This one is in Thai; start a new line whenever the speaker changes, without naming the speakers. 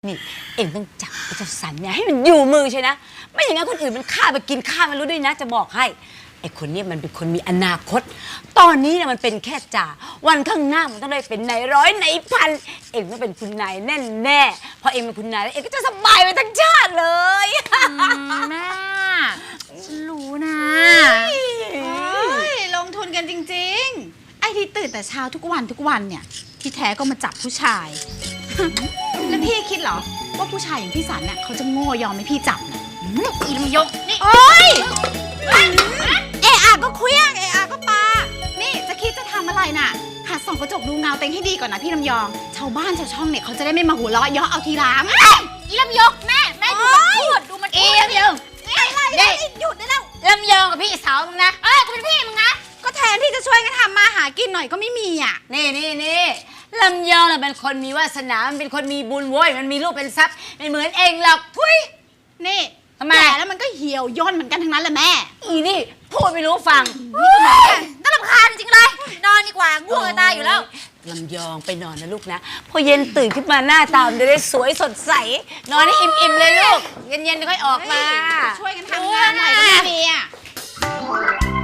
นี่เอ็งต้องจับไอ้เจ้าสันเนี่ยให้มันอยู่มือใช่นะไม่อย่างนั้นคนอื่นมันฆ่าไปกินข้ามันรู้ด้วยนะจะบอกให้ไอ้คนนี้มันเป็นคนมีอนาคตตอนนี้เนี่ยมันเป็นแค่จ่าวันข้างหน้ามันต้องได้เป็นนายร้อยนายพันเอ็งต้องเป็นคุณนายแน่แน่พอเอ็งเป็นคุณนายแล้วเอ็งก็จะสบายไปทั้งชาติเลย
แม่ฉันรู้นะ
ลงทุนกันจริงๆไอ้ที่ตื่นแต่เช้าทุกวันเนี่ยที่แท้ก็มาจับผู้ชาย แล้วพี่คิดเหรอว่าผู้ชายอย่างพี่สันเนี่ยเขาจะโง่ยอมให้พี่จับนะ
อีลำยกนี่
โอ๊ยเอะอะก็เคลี้ยงเอะอะก็ปานี่จะคิดจะทำอะไรน่ะหัดส่องกระจกดูเงาเต็งให้ดีก่อนนะพี่ลำยองชาวบ้านชาวช่องเนี่ยเขาจะได้ไม่มาหัวเราะเยาะเอาทีหลัง
อีลำยกแม่ดูมันพูดดูมันพูดลำยง
อะไรหยุดได้แล้ว
ลำยองกับพี่สาวมึงนะกูเป็นพี่มึงนะ
ก็แทนที่จะช่วยกันทำมาหากินหน่อยก็ไม่มีอ่ะ
นี่ลำยองน่ะเป็นคนมีวาสนามันเป็นคนมีบุญโว้ยมันมีลูกเป็นทรัพย์ไม่เหมือนเองหรอกทุย
นี่
ทำไม
แล้วมันก็เหี่ยวย่นเหมือนกันทั้งนั้นแหละแม่
อีนี่พูดไม่รู้ฟัง
น่ารำคาญจริงเลยนอนดีกว่าง่วงจะตายอยู่แล้ว
ลำยองไปนอนนะลูกนะพอเย็นตื่นขึ้นมาหน้าตามันจะได้สวยสดใสนอนให้อิ่มๆเลยลูกเย็นๆค่อยออกมา
ช่วยกันทำงานหน่อยก็ไม่มีอ่ะ